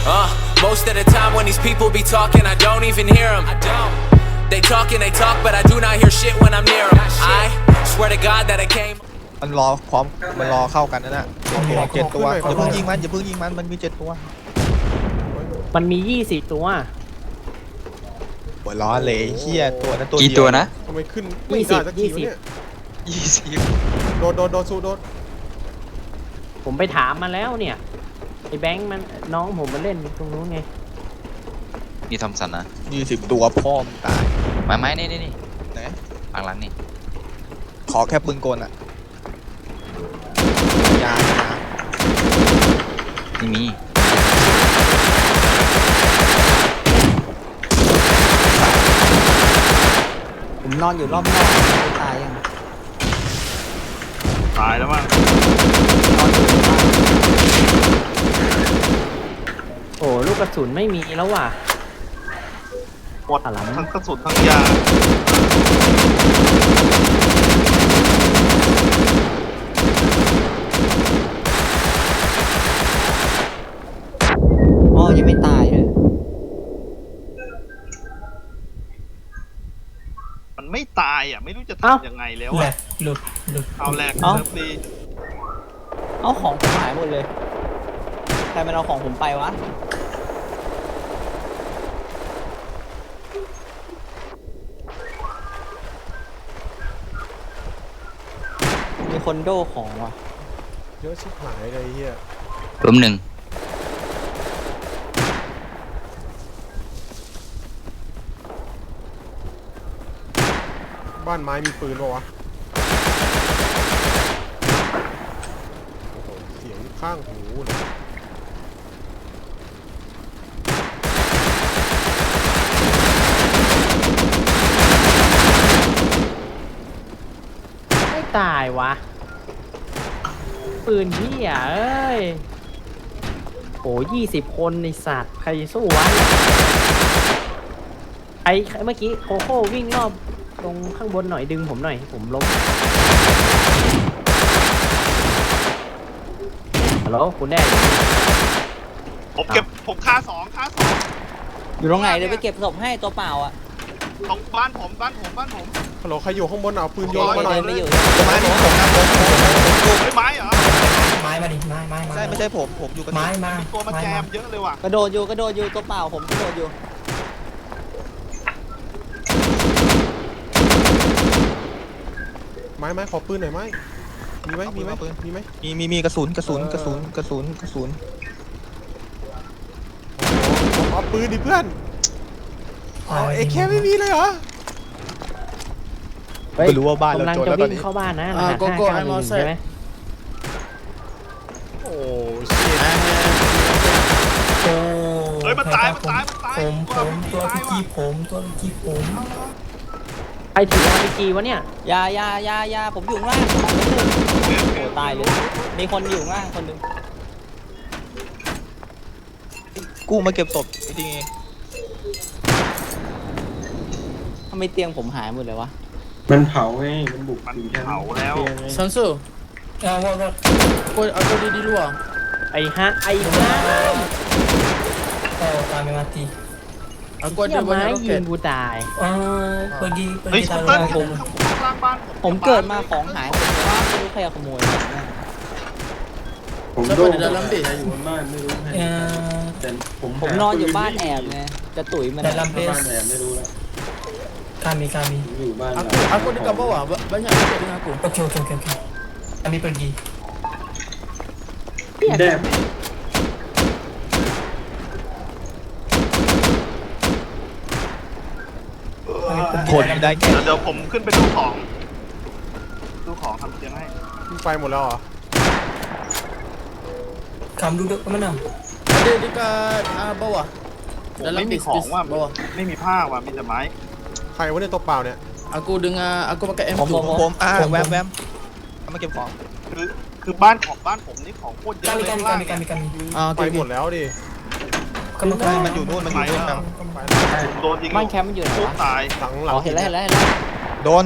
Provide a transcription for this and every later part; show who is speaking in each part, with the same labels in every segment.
Speaker 1: Most of the time when these people be talking, I don't even hear them. They talk and they talk, but I do not hear shit when I'm near them. I swear to God that I came.
Speaker 2: มันรอพร้อมมันรอเข้ากันนะเจ็ดตัวอย่าเพิ่งยิงมันมันมี7 ตัว
Speaker 3: มันมี20 ตัว
Speaker 2: หัวล้อเลยเฮียตัวนั้นตัวเดียว
Speaker 4: กี่ตัวนะ
Speaker 5: ทำไมขึ้นไม่ได้สักทีวะเนี่ย
Speaker 4: 20
Speaker 5: โดนสู้โดน
Speaker 3: ผมไปถามมาแล้วเนี่ยไอ้แบงค์มันน้องผมมาเล่นตรงนู้นไง
Speaker 4: มีทอมสันนะ
Speaker 2: 20 ตัวพ่อมตาย
Speaker 4: ไม้นี่
Speaker 2: ไหน
Speaker 4: หลังนี่
Speaker 2: ขอแค่ปืนกลอะยา
Speaker 4: ไม่มี
Speaker 6: ผมนอนอยู่รอบนอกไม่ตายยัง
Speaker 7: ตายแล้วมั้ง
Speaker 6: นอนอยู่ในบ้าน
Speaker 3: โอ้ลูกกระสุนไม่มีแล้วว่ะ
Speaker 7: หมดทั้งกระสุนทั้งยา
Speaker 6: อ๋อยังไม่ตายเลย
Speaker 7: มันไม่ตายอ่ะไม่รู้จะทำยังไงแล้ว
Speaker 8: แหล
Speaker 7: อ่ะ
Speaker 8: กหลุด
Speaker 7: เอาแหลก
Speaker 6: เอ้า
Speaker 7: เซิร์ฟดี
Speaker 6: เอาของผมหายหมดเลยใครมันเอาของผมไปวะมีคนโดของว่ะ
Speaker 5: เยอะชิบหายเลยเฮีย
Speaker 4: ล้มหนึ่ง
Speaker 5: บ้านไม้มีปืนปะวะโอ้โหเสียงข้างหูเลย
Speaker 3: ไม่ตายวะปืนพี่อ่ะเอ้ยโอ้20 คนในสัตว์ใครสู้วะไอ้เมื่อกี้โคโค่วิ่งรอบตรงข้างบนหน่อยดึงผมหน่อยผมล้มฮัลโหลคุณแน่
Speaker 7: ผมฆ่าสอง
Speaker 6: อยู่ตรงไหนเดี๋ยวไปเก็บศพให้ตัวเปล่าอ่ะ
Speaker 7: ตรงบ้านผม
Speaker 5: ฮัลโหลใครอยู่ข้างบนเอาปืนโยนมาหน่อย
Speaker 6: เดินไม่อยู่
Speaker 2: ไม้ผมนะผม
Speaker 7: เฮ้ยไม้เหรอ
Speaker 8: ไม้มาดิไม้
Speaker 2: ใช่ไม่ใช่ผมอยู่กับ
Speaker 8: ไม้มา
Speaker 7: ตัวมาแจมเยอะเลยว่ะ
Speaker 6: กระโดดอยู่ตัวเปล่าผมกระโดดอยู่
Speaker 5: ไม้ขอปืนหน่อยไหมมีไหม
Speaker 2: มีกระสุน
Speaker 5: เอาปืนดิเพื่อนเอเคไม่มีเลยเหรอ
Speaker 2: ไม่รู้ว่าบ้านเรา
Speaker 3: กำลัง
Speaker 2: จน
Speaker 3: จะ
Speaker 2: แล้วตอน
Speaker 3: วิ่ง
Speaker 2: นี้
Speaker 3: เข้าบ้านนะรหัส591ใช่ไหม
Speaker 5: โอ้ชิต
Speaker 8: โอ้
Speaker 7: เฮ้ยมันตาย
Speaker 8: ผมตัวพี่กีผม
Speaker 3: ใครถือ RPG วะเนี่ย
Speaker 6: ยาผมอยู่ข้างล่างโอ้ตายเลยมีคนอยู่ข้างล่างคนหนึง
Speaker 2: กู้มาเก็บศพจริง
Speaker 6: ทำไมเตียงผมหายหมดเลยวะ
Speaker 9: มันเผาไงมันบุก
Speaker 7: มัน
Speaker 9: ถึงชั้น
Speaker 7: เผาแล้ว
Speaker 8: Sansu aku di luar
Speaker 3: ไอ้ฮะ
Speaker 8: oh kami mati aku
Speaker 3: เหี้ย
Speaker 8: ada
Speaker 3: ไม้
Speaker 8: banyak
Speaker 3: ยิง
Speaker 8: roket
Speaker 3: กูตาย
Speaker 8: pergi
Speaker 7: เฮ้ย
Speaker 8: pergi
Speaker 7: คุณ
Speaker 8: taruh
Speaker 7: เติ้ล
Speaker 8: aku
Speaker 7: ข้างล่างบ้าน
Speaker 6: ผมเกิดมาของหายหมดเลยว่าไม่รู้ใครเอาขโมยไปนะ
Speaker 9: ผมโดนอยู่บนบ้านไม่รู้ใครแต่ผม
Speaker 6: ผมนอนอยู่บ้านแอบไงจะตุ๋ยมัน
Speaker 8: dalam
Speaker 9: บ้าน
Speaker 8: base
Speaker 9: แอบไม่รู้แล้ว
Speaker 8: kami
Speaker 9: ผมอยู่บ้าน
Speaker 8: aku dekat bawah banyak roket dengan aku okey kami pergi
Speaker 9: แดบ
Speaker 2: ๆคนได้แค่
Speaker 7: เดี๋ยวผมขึ้นไปดูของทำเตียงให้
Speaker 5: ไปหมดแล้วเหรอ
Speaker 8: kamu duduk ke mana ada dekat bawah
Speaker 7: ผมไม่มีของว่ะไม่มีผ้าว่ะมีแต่ไม้
Speaker 5: ใครวะเนี่ยตัวเปล่าเนี่ย
Speaker 8: aku pakai
Speaker 2: ผม
Speaker 8: M2
Speaker 2: แวมเอามาเก็บของ
Speaker 7: คือบ้านผมนี่ของโคตรเยอะเลย
Speaker 8: kami
Speaker 5: ไปหมดแล้วดิ
Speaker 8: kamu
Speaker 2: มันอยู่นู่นครับ
Speaker 7: โดนยิง
Speaker 6: บ้านแคมป์มันอยู่ไหน
Speaker 7: ทุบ
Speaker 6: วะ
Speaker 7: ตาย
Speaker 5: หลัง
Speaker 6: อ๋อเห็นแล้ว
Speaker 2: โดน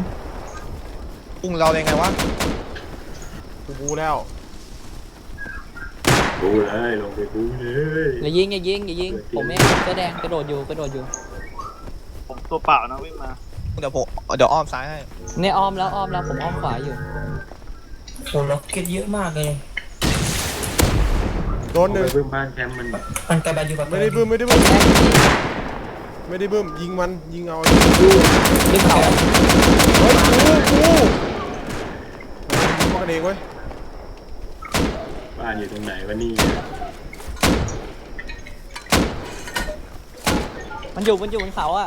Speaker 2: ปุ้งเราเลยไงวะ
Speaker 5: กูแล้ว
Speaker 9: บูเลยลงไปบูเลย
Speaker 6: อย่ายิงอย่ายิงอย่ายิงผมเองเสื้อแดงกระโดดอยู่กระโดดอยู่
Speaker 7: ผมตัวเปล่านะวิ่งมา
Speaker 2: เดี๋ยวอ้อมซ้ายให้
Speaker 6: เนี่ยอ้อมแล้วผมอ้อมขวาอยู่
Speaker 8: โอ้ล็อกเก็ตเยอะมากเลย
Speaker 5: โดนหนึ่ง
Speaker 9: เพิ่มบ้านแคมป์มัน
Speaker 8: มันกระบาดอยู่กับ
Speaker 5: ไม่ได้บึ้มไม่ได้บึ้มไม่ได้บึ้มยิงมันยิงเอา
Speaker 6: ดึงเขา
Speaker 5: เฮ้ยกูยิงกันเองเว้ย
Speaker 9: บ้านอยู่ตรงไหนวะนี่
Speaker 6: มันอยู่บนเขาอ่ะ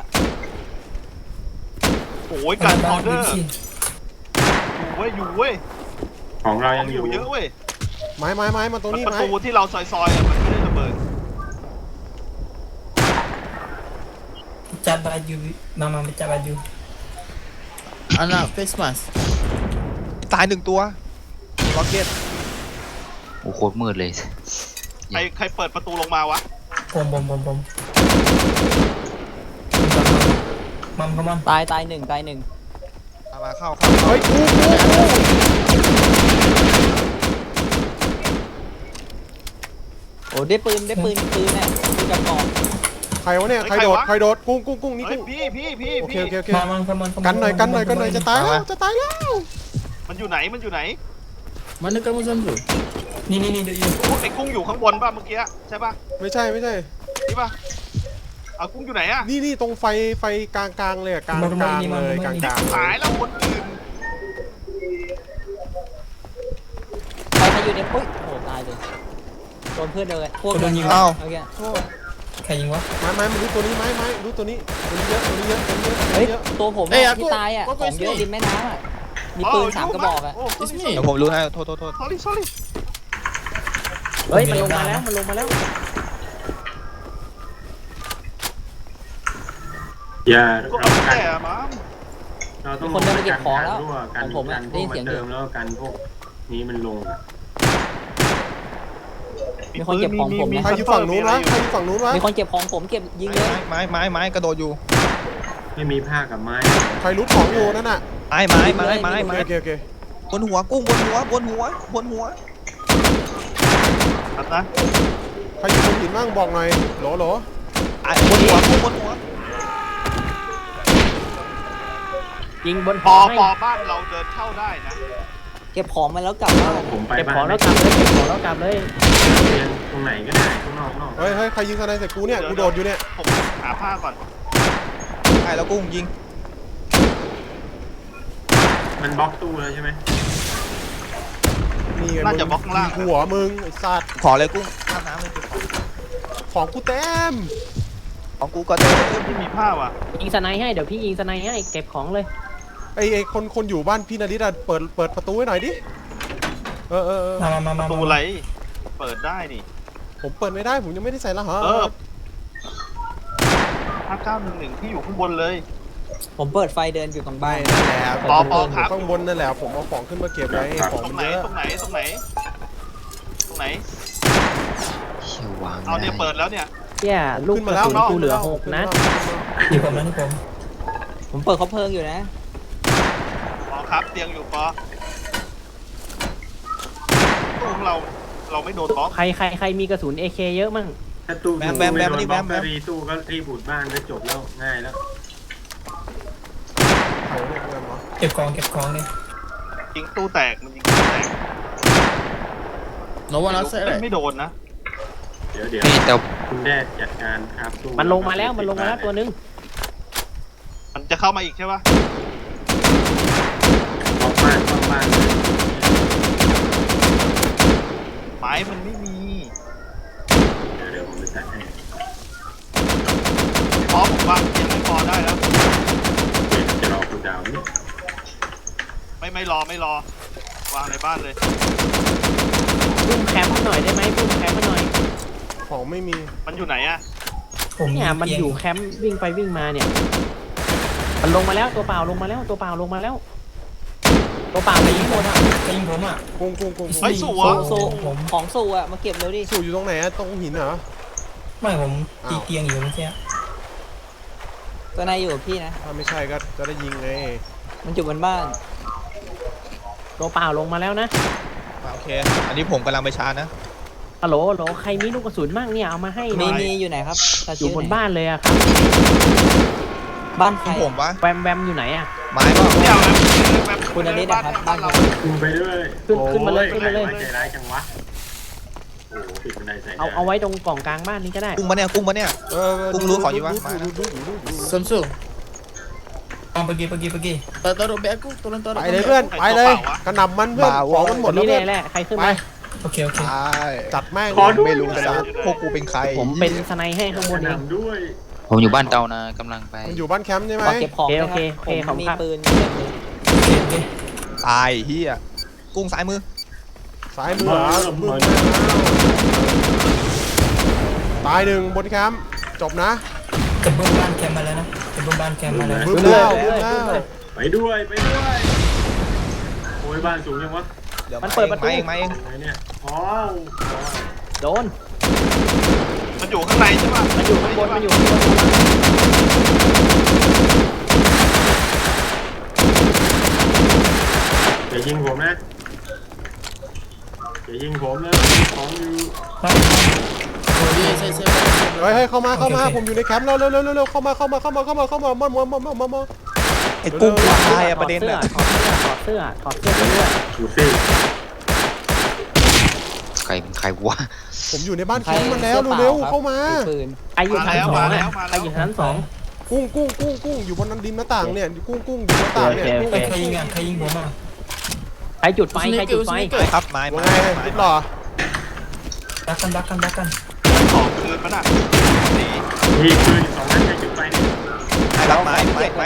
Speaker 7: โอ้ยการออเดอร์
Speaker 8: สิ
Speaker 7: อยู่เว้ย
Speaker 9: ของเรา
Speaker 7: ข
Speaker 9: ยั
Speaker 7: อง
Speaker 9: ง
Speaker 7: อ
Speaker 9: อยู่
Speaker 7: ยู่เยอะเว้ย
Speaker 5: ไม้มาตรงนี้
Speaker 7: ประ
Speaker 5: ไม้
Speaker 7: ตูที่เราซอยๆอะมันไม่ได้ระเบิด
Speaker 8: จับบาดอยู่มาจับบาดอยู่อันน่ะเฟสมาส
Speaker 2: ตายหนึ่งตัวล็อกเก็ต
Speaker 4: โอ้โคตรมืดเลย
Speaker 7: ใครเปิดประตูลงมาวะ
Speaker 8: ผมมัม
Speaker 6: ตายหนึ่ง
Speaker 2: มาเข้า
Speaker 5: เฮ้ยกู
Speaker 6: โอ้ได้ปืนเนี่ยปืนกระบอก
Speaker 5: ใครวะเนี่ยใครโดดกุ้งนี่
Speaker 7: เฮ้ย
Speaker 5: กุ้ง
Speaker 7: พี่
Speaker 5: โอเค
Speaker 8: มา
Speaker 5: กันหน่อยจะตายแล้ว
Speaker 7: มันอยู่ไหน
Speaker 8: มันนึกกันว่าฉันอยู่นี่เดี๋ยวอยู่
Speaker 7: ไอ้กุ้งอยู่ข้างบนป่ะเมื่อกี้ใช่ป่ะ
Speaker 5: ไม่ใช่
Speaker 7: นี่ป่ะเอากุ้งอยู่ไหนอะ
Speaker 5: นี่ตรงไฟกลางเลยกลางเลยกลาง
Speaker 7: หายแล้วคนอื่น
Speaker 6: ใครอยู่ในปุ้ยโอ้ตายเลยโดนเพื่อนเลยพวกโดนยิงโอเค
Speaker 8: ใครยิงวะ
Speaker 5: ไม้มันรู้ตัวนี้ไม้รู้ตัวนี้เยอะ
Speaker 6: เฮ้ยตัวผมที่ตายอ่ะของเยอะริมแม่น้ำอ่ะมีปืน3 กระบอกอ่ะ
Speaker 2: เดี๋ยวผมรู้ให้โทษ
Speaker 7: sorry
Speaker 3: เฮ้ยมันลงมาแล้ว
Speaker 9: อย่า
Speaker 7: ก็
Speaker 9: เรา
Speaker 7: เอา
Speaker 9: กัน
Speaker 7: แต่มั้ง
Speaker 9: เราต้อง
Speaker 6: คนเดินมาเก็บของแล้ว
Speaker 9: กัน
Speaker 6: ของผมอะ
Speaker 9: พ
Speaker 6: ได้
Speaker 9: ว
Speaker 6: ยิ
Speaker 9: ก
Speaker 6: นเสี
Speaker 9: มั
Speaker 6: ยง
Speaker 9: น
Speaker 6: อยู่
Speaker 9: เติมแล้วกันพวกนี้มันลง
Speaker 6: มีคนเก็บของผม
Speaker 5: ใครอยู่ฝั่งนู้นวะ
Speaker 6: มีคนเก็บของผมเก็บยิงเลย
Speaker 2: ไม้กระโดดอยู่
Speaker 9: ไม่มีผ้ากับไม้
Speaker 5: ใครรู้ของอยู่นั่นน่ะ
Speaker 2: ไม้
Speaker 5: โอเค
Speaker 2: บนหัวกุ้งบนหัว
Speaker 7: ครับนะ
Speaker 5: ใครอยู่บนหินบ้างบอกหน่อยโหล
Speaker 2: บนหัวกุ้งบนหัว
Speaker 3: ยิงบน
Speaker 7: ปอ
Speaker 3: ให้
Speaker 7: บ้านเราเดินเข้าได้นะ
Speaker 6: เก็บของมาแล้วกลับบ้าน
Speaker 9: ผมไป
Speaker 3: เก็บ
Speaker 9: บ้า
Speaker 3: ของ
Speaker 9: น
Speaker 3: แล้วกลับเลย
Speaker 9: ตรงไหนก็ได้ข้างนอก
Speaker 5: เฮ้ยใครยิงสไนใส่กูเนี่ยกูโดดอยู่เนี่ย
Speaker 7: ผมหาผ้าก่อน
Speaker 2: ใช่แล้วกุ้งยิง
Speaker 9: มันบล็อกตู้แล้วใช่ไหม
Speaker 5: นี่ไง
Speaker 7: น่าจะบล็อกข้างล่าง
Speaker 5: หัวมึงไอ้สัตว์
Speaker 2: ขอเลยกุ้งข้ามน้ำเลย
Speaker 5: ของกูเต็ม
Speaker 2: ของกูก็เต็ม
Speaker 7: ที่มีผ้าว่ะ
Speaker 3: ยิงสไนให้เดี๋ยวพี่ยิงสไนให้เก็บของเลย
Speaker 5: ไอ้คนอยู่บ้านพี่นาริตอะเปิดประตูให้หน่อยดิ
Speaker 8: มา
Speaker 7: ประตูอะไรเปิดได้นี่
Speaker 5: ผมเปิดไม่ได้ผมยังไม่ได้ใส่รหัส
Speaker 7: 5911ที่อยู่ข้างบนเลย
Speaker 6: ผมเปิดไฟเดินอยู่ตรงบ้าน
Speaker 5: นั่นแหละ
Speaker 7: ปอ
Speaker 5: ผม
Speaker 7: ครับ
Speaker 5: ข้างบนนั่นแหละผมเอาของขึ้นมาเก็บไว้ของ
Speaker 7: ตรง
Speaker 5: มัน
Speaker 7: ไหน
Speaker 5: เยอะ
Speaker 7: ตรงไหน
Speaker 4: เชี่ยววาง
Speaker 7: เอาเนี่ยเปิดแล้วเนี่ย
Speaker 3: เนี่ยลูกกระสุนกูเหลือ6 นัด
Speaker 8: อยู่กับนั้นผม
Speaker 6: ผมเปิดเขาเพลิงอยู่นะ
Speaker 7: ปอครับเตียงอยู่ปอตู้ของเราไม่โดนบล็อก
Speaker 3: ใครมีกระสุน AK เยอะมั่ง
Speaker 9: ถ้าตู้รีตู้ก็รีบูดบ้านก็จบแล้วง่ายแล้ว
Speaker 8: เก็บของเลย
Speaker 7: ยิงตู้แตกมันยิงตู้แตก
Speaker 8: No one outside
Speaker 7: ไม่โดนนะ
Speaker 9: เดี๋ยว
Speaker 4: นี่แต่
Speaker 9: คุณแดดจัดการครับตู้
Speaker 3: มันลงมาแล้วตัวนึง
Speaker 7: มันจะเข้ามาอีกใช่ปะ
Speaker 9: บล็อกบ้าน
Speaker 7: ไม้มันไม่มี
Speaker 9: เดี๋ยวผมไปจัดให้
Speaker 7: พอผมวางเตียงไม่พอได้แล้ว
Speaker 9: จะรอคุณดาวนี่
Speaker 7: ไม่รอวางในบ้านเลย
Speaker 3: ปุ้มแคมป์หน่อยได้ไหมปุ้มแคมป์หน่อย
Speaker 5: ของไม่มี
Speaker 7: มันอยู่ไหนอะ
Speaker 3: เนี่ยมันอยู่แคมป์วิ่งไปวิ่งมาเนี่ยมันลงมาแล้วตัวเปล่าลงมาแล้วตัวเปล่าไปยิงหมดอ่ะ
Speaker 8: ยิงผมอ่ะ
Speaker 5: กุ้ง
Speaker 7: เฮ้ยสัว
Speaker 6: โซของโซอ่ะมาเก็บเร็วดิ
Speaker 5: สู่อยู่ตรงไหนอะตรงหินเหรอ
Speaker 8: ไม่ผมตีเตียงอยู่เมื่อกี้
Speaker 6: ตัวนายอยู่กับพี่นะ
Speaker 5: ถ้าไม่ใช่ก็จะได้ยิงไง
Speaker 6: มันอยู่บนบ้าน
Speaker 3: ตัวเปล่าลงมาแล้วนะ
Speaker 2: โอเคอันนี้ผมกำลังไปชาร์จนะ
Speaker 3: ฮัลโหลฮัลโหลใครมีลูกกระสุนมั่งเนี่ยเอามาให้หน่
Speaker 6: มี
Speaker 3: อย
Speaker 6: อยู่ไหนครับตา
Speaker 3: อยู่
Speaker 6: ชื่
Speaker 3: บน
Speaker 6: ไห
Speaker 3: บ้านเลยอะครับ
Speaker 6: บ้านใคร
Speaker 2: ผมวะ
Speaker 3: แวมแวมอยู่ไหนอะ
Speaker 2: ไม้ป่ะ
Speaker 7: เดี๋ยวนะแบบ
Speaker 6: คุณอนิดนะครับบ้านเรา
Speaker 9: คุณไปด้วย
Speaker 3: ขึ้นมาเลยขึ้นมาเลย
Speaker 9: ใจร้ายจังวะโอ้โหปิดบันไดใส่
Speaker 3: เอาไว้ตรงกล่องกลางบ้านนี้ก็ได้
Speaker 2: กุ้งมาเนี่ยกุ้งมาเนี่ย กุ้งรู้ของอยู่วะมานะ
Speaker 8: Samsu. Pergi. Taruh beg aku, tolong
Speaker 5: ไป
Speaker 8: taruh.
Speaker 5: เลยเพื่อนไปเลยกระหน่ำมันเพื่อนของมันหมด
Speaker 3: คน
Speaker 5: แล้ว
Speaker 3: นี้
Speaker 5: เพื่อน
Speaker 3: แหละใครขึ้น
Speaker 5: ไป
Speaker 3: มา
Speaker 8: Okey.
Speaker 2: ใช่
Speaker 5: จัดแม่ง
Speaker 2: ไม่รู้แต่พวกกูเป็นใคร
Speaker 3: ผมเป็นสไนให้ข้างบนเอง
Speaker 9: นำด้วย
Speaker 4: ผมอยู่บ้านเตานะกำลังไป
Speaker 5: มันอยู่บ้านแคมป์ใช่ไหม
Speaker 6: ขอเก็บของนะ
Speaker 3: โอ
Speaker 6: ค
Speaker 3: เค
Speaker 6: รับ
Speaker 3: โอเค
Speaker 6: ผมมี
Speaker 3: ขอบคุณครับ
Speaker 6: ปืนเต็มเลย
Speaker 8: Okey.
Speaker 2: ตายเฮียกุ้งซ้ายมือ
Speaker 5: สายมือเหรอมือตายหนึ่งบนแคมป์จบนะ
Speaker 8: Kebun ban camp mana nah? Kebun ban camp mana?
Speaker 5: บึ้มแล้วบึ้มแล้ว
Speaker 9: ไปด้วยโอ้ยบ้านสูงยังวะ
Speaker 2: เดี๋ยว
Speaker 3: มันเปิดประตู
Speaker 2: มาเอง
Speaker 9: ไหนเนี่ยอ๋อ
Speaker 3: โดน
Speaker 7: มันอยู่ข้างในใช่ป่ะ
Speaker 3: มันอยู่ข้างบนมันอยู่ข้างบน
Speaker 9: อย่ายิงผมนะอย่ายิงผมนะของอยู่
Speaker 8: Oh, yes.
Speaker 5: เฮ้ยเข้ามา
Speaker 8: โอเค
Speaker 5: ผมอยู่ในแคมป์แล้วเร็วเข้ามามา
Speaker 2: ไอ้กุ้งกูตายอะประเด็น
Speaker 3: ถ
Speaker 2: อะ
Speaker 3: อดเสื้อไปเรื่อย
Speaker 9: ดูสิ
Speaker 4: ใครวะ
Speaker 5: ผมอยู่ในบ้านแคมป์มันแล้วเร็วเข้ามา
Speaker 6: ปืน
Speaker 3: ใครอยู่ชั้นสองอะใครอยู่ชั้นสอง
Speaker 5: กุ้งอยู่บนนั้นดินหน้าต่างเนี่ยกุ้งอยู่หน้าต่างเนี่ย
Speaker 3: โอเค
Speaker 8: Kau ingat bom ah.
Speaker 3: ใครจุดไฟใครจุดไฟ
Speaker 2: ครับไม้
Speaker 5: ว่า
Speaker 2: ไม้
Speaker 5: ไง
Speaker 2: ไม้
Speaker 5: ติดหล่อ
Speaker 8: Belakang.
Speaker 7: ของคืนมันอ่ะ
Speaker 9: มีปืน2 นัดให้จุดไฟเนี่ย
Speaker 2: ไม้รับไม้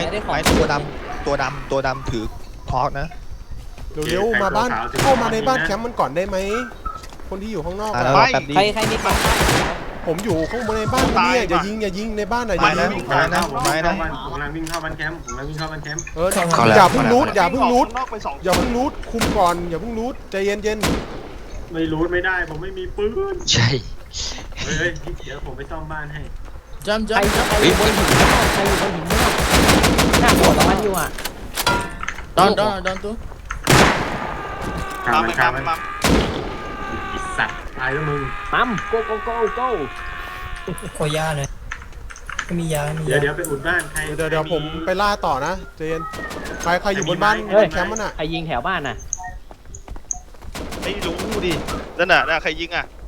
Speaker 2: ตัวดำถือทอกนะ
Speaker 5: เร็วมาบ้านเข้ามาในบ้านแคมป์มันก่อนได้ไหมคนที่อยู่ข้างนอก
Speaker 2: แล้วแป๊บดี
Speaker 6: ใครมีของ
Speaker 5: ผมอยู่ข้างบนในบ้านเนี่ยอย่ายิงในบ้านหน่อยอย่ายิง
Speaker 9: ผมกำลังวิ่งเข้าบ้านแคมป์อย่าเพิ่งรูทคุมก่อนอย่าเพิ่งรูทใจเย็นไม่รูทไม่ได้ผมไม่มีปืน
Speaker 4: ใช่
Speaker 9: เฮ้ยเดี๋ยวผมไปซ่อมบ้านให้
Speaker 8: Jam.
Speaker 3: ใครอยู่บนหินใครอยู่บนหินหน้าหัวมันอยู่อ่ะ
Speaker 8: Down tu.
Speaker 9: ฆ่ามันสัตว์ตายแล้วมึง
Speaker 3: ปั๊ม go go go go
Speaker 8: Kau ya ni. Kami ya.
Speaker 9: เดี๋ยวไปอุดบ้านใคร
Speaker 5: เดี๋ยวผมไปล่าต่อนะเจนใครอยู่บนบ้าน
Speaker 3: เฮ้ย
Speaker 5: แคมป์มันอ่ะ
Speaker 3: ใครยิงแถวบ้านน่ะ
Speaker 7: ไม่รู้ดินั่นน่ะใครยิงอ่ะ